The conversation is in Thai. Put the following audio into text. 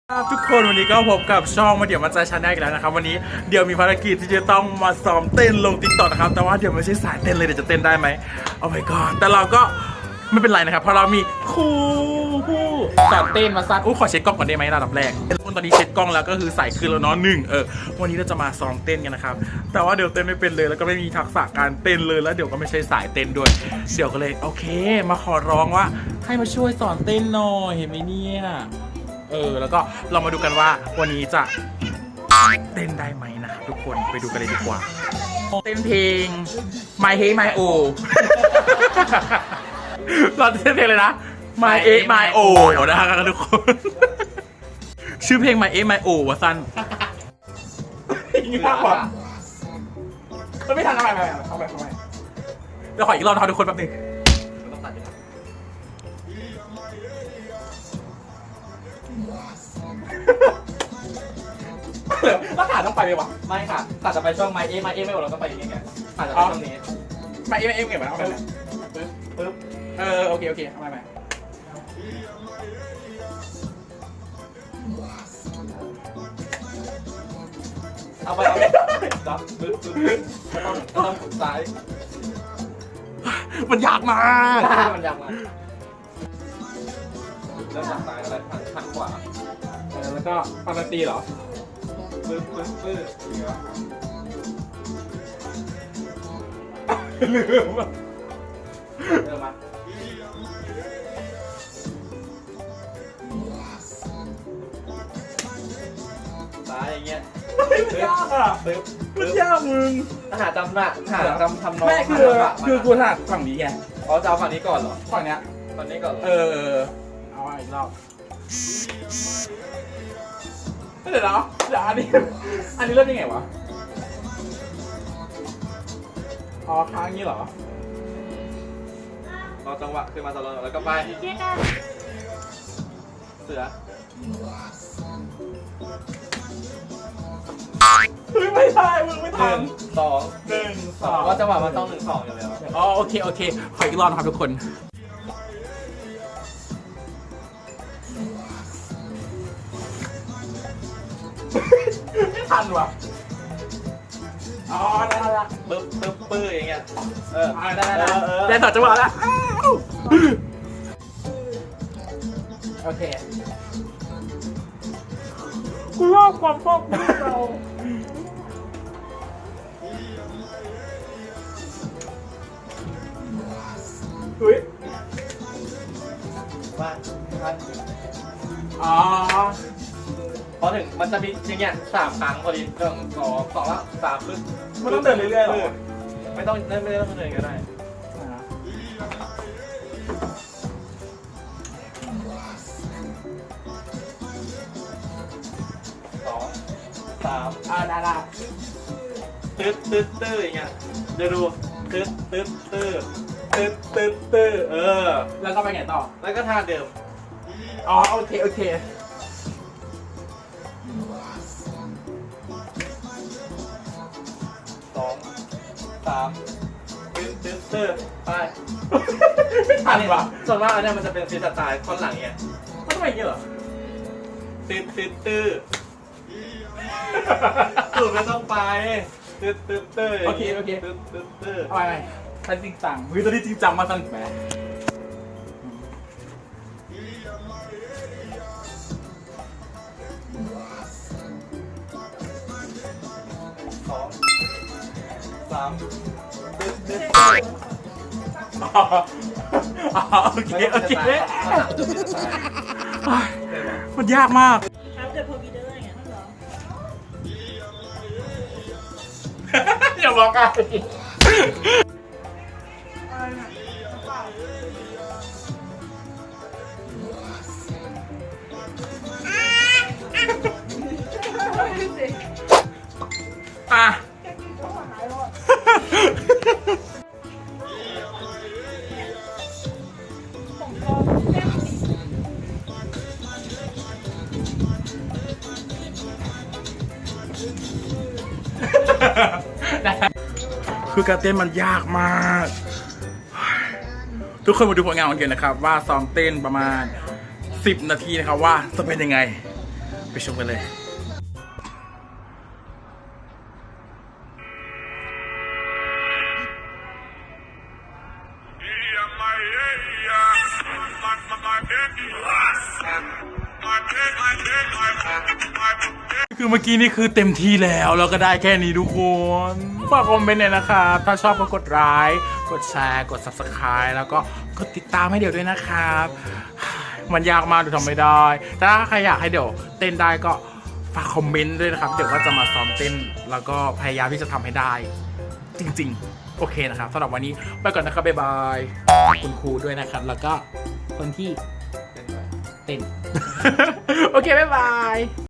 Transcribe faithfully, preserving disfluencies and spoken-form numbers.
ครับทุกคนวันนี้ก็พบกับช่องมาเดี๋ยวมาใจชาแนลอีกแล้วนะครับวันนี้เดี๋ยวมีภารกิจที่จะต้องมาซ้อมเต้นลงติ๊กต็อกนะครับแต่ว่าเดี๋ยวไม่ใช่สายเต้นเลยเดี๋ยวจะเต้นได้ไหมโอ้ my god แต่เราก็ไม่เป็นไรนะครับเพราะเรามีครูผู้สอนเต้นมาซัดอู้ขอเช็คกล้องก่อนได้ไหมระดับแรกตอนนี้เช็คกล้องแล้วก็คือใส่คืนแล้วเนาะหนึ่งเออวันนี้เราจะมาซ้อมเต้นกันนะครับแต่ว่าเดี๋ยวเต้นไม่เป็นเลยแล้วก็ไม่มีทักษะการเต้นเลยแล้วเดี๋ยวก็ไม่ใช่สายเต้นด้วยเดี๋ยวก็เลยโอเคมาขอร้องว่าให้มาช่วยสอนเต้นหน่อยเห็นไหมเนี่ยเออแล้วก็เรามาดูกันว่าวันนี้จะเต้นได้ไหมนะครับทุกคนไปดูกันเลยดีกว่าเต้นเพลง My Hey My O เราเต้นเพลงเลยนะ My A My O นะครับทุกคนชื่อเพลง My A My O วะสั้นยิ่งมากกว่าไม่ทันทำไมทำไมทำไมเดี๋ยวขออีกรอบนะครับทุกคนแป๊บนึงแล้วขาต้องไปไหมวะไม่ค่ะตัดจะไปช่วงไม้เอไม้เอไม่หมดเราก็ไปอย่างเงี้ยตัดจะไปช่วงนี้ไม่เอ็มเอ็มเก็บไว้เอาไปปึ๊บปึ๊บเออโอเคโอเคเอาไปไปเอาไปเอาไปจับปึ๊บปึ๊บปึ๊บก็ต้องก็ต้องขุดซ้ายมันยากมากมันยากมากเริ่มจากซ้ายแล้วหันหันขวาเออแล้วก็ฟังดนตรีเหรอปึ๊บปึ๊บปึ๊บลืมอ่ะเริ่มมาซ้ายอย่างเงี้ยมันยากอ่ะปึ๊บมันยากมึงหาจำหนักหาจำทำนองไม่คือคือกูถนัดฝั่งนี้ไงอ๋อจะเอาฝั่งนี้ก่อนเหรอฝั่งเนี้ยฝั่งนี้ก่อนเออเอาอีกรอบเดี๋ยวนะเดี๋ยวอันนี้อันนี้เริ่มยังไงวะอ๋อค้างงี้เหรอรอจังหวะขึ้นมาตลอดแล้วก็ไปเสือเฮ้ยไม่ได้มึงไม่ทันสองหนึ่งสองว่าจังหวะมันต้องหนึ่งสองอยู่แล้วอ๋อโอเคโอเคขออีกรอบนะครับทุกคนไม่ทันว่ะอ๋อได้ละปึ๊บปึ๊บปึ๊บอย่างเงี้ยเออได้ได้ได้ต่อจังหวะแล้วโอเคกูชอบความชอบของเราเฮ้ยว่าท่านอ๋อพอถึงมันจะมีอย่างเงี้ยสามครั้งพอดีหนึ่งสองสองแล้วสามปึ๊บมันต้องเดินเรื่อยๆหรอไม่ต้องไม่ไม่ต้องเดินก็ได้สองสามอ่าได้ได้ตึ๊ดตึ๊ดตึ๊ดอย่างเงี้ยเดี๋ยวดูตึ๊ดตึ๊ดตึ๊ดตึ๊ดตึ๊ดตึ๊ดเออแล้วก็ไปไงต่อแล้วก็ท่าเดิมอ๋อโอเคโอเคสองสามตึ๊ดตึ๊ดตึ๊ดไปไม่ทันว่ะส่วนมากอันนี้มันจะเป็นฟรีสไตล์ท่อนหลังเงี้ยมันทำไมอย่างนี้เหรอตึ๊ดตึ๊ดตึ๊ดตึ๊ดไม่ต้องไปตึ๊ดตึ๊ดตึ๊ดโอเคโอเคตึ๊ดตึ๊ดตึ๊ดเอาไปไปจริงจังวิตอนนี้จริงจังมาตั้งแต่สองสามตึ๊ดตึ๊ดอ๋อโอเคโอเคมันยากมากครับแต่พอมีเดินอย่างนั้นเหรออย่าบอกกันอ่ะคือการเต้นมันยากมาก ทุกคนมาดูผลงานของเกณฑ์นะครับว่าซ้อมเต้นประมาณสิบนาทีนะครับว่าจะเป็นยังไงไปชมกันเลยคือเมื่อกี้นี่คือเต็มที่แล้วเราก็ได้แค่นี้ทุกคนฝากคอมเมนต์หน่อยนะครับถ้าชอบก็กดไลค์กดแชร์กด ซับสไครบ์ แล้วก็กดติดตามให้เดี๋ยวด้วยนะครับมันยากมากดูทำไม่ได้แต่ถ้าใครอยากให้เดี๋ยวเต้นได้ก็ฝากคอมเมนต์ด้วยนะครับเดี๋ยวก็จะมาซ้อมเต้นแล้วก็พยายามที่จะทำให้ได้จริงๆโอเคนะครับสำหรับวันนี้ไปก่อนนะครับบ๊ายบายคุณครูด้วยนะครับแล้วก็คนที่เต้น โอเคบ๊ายบาย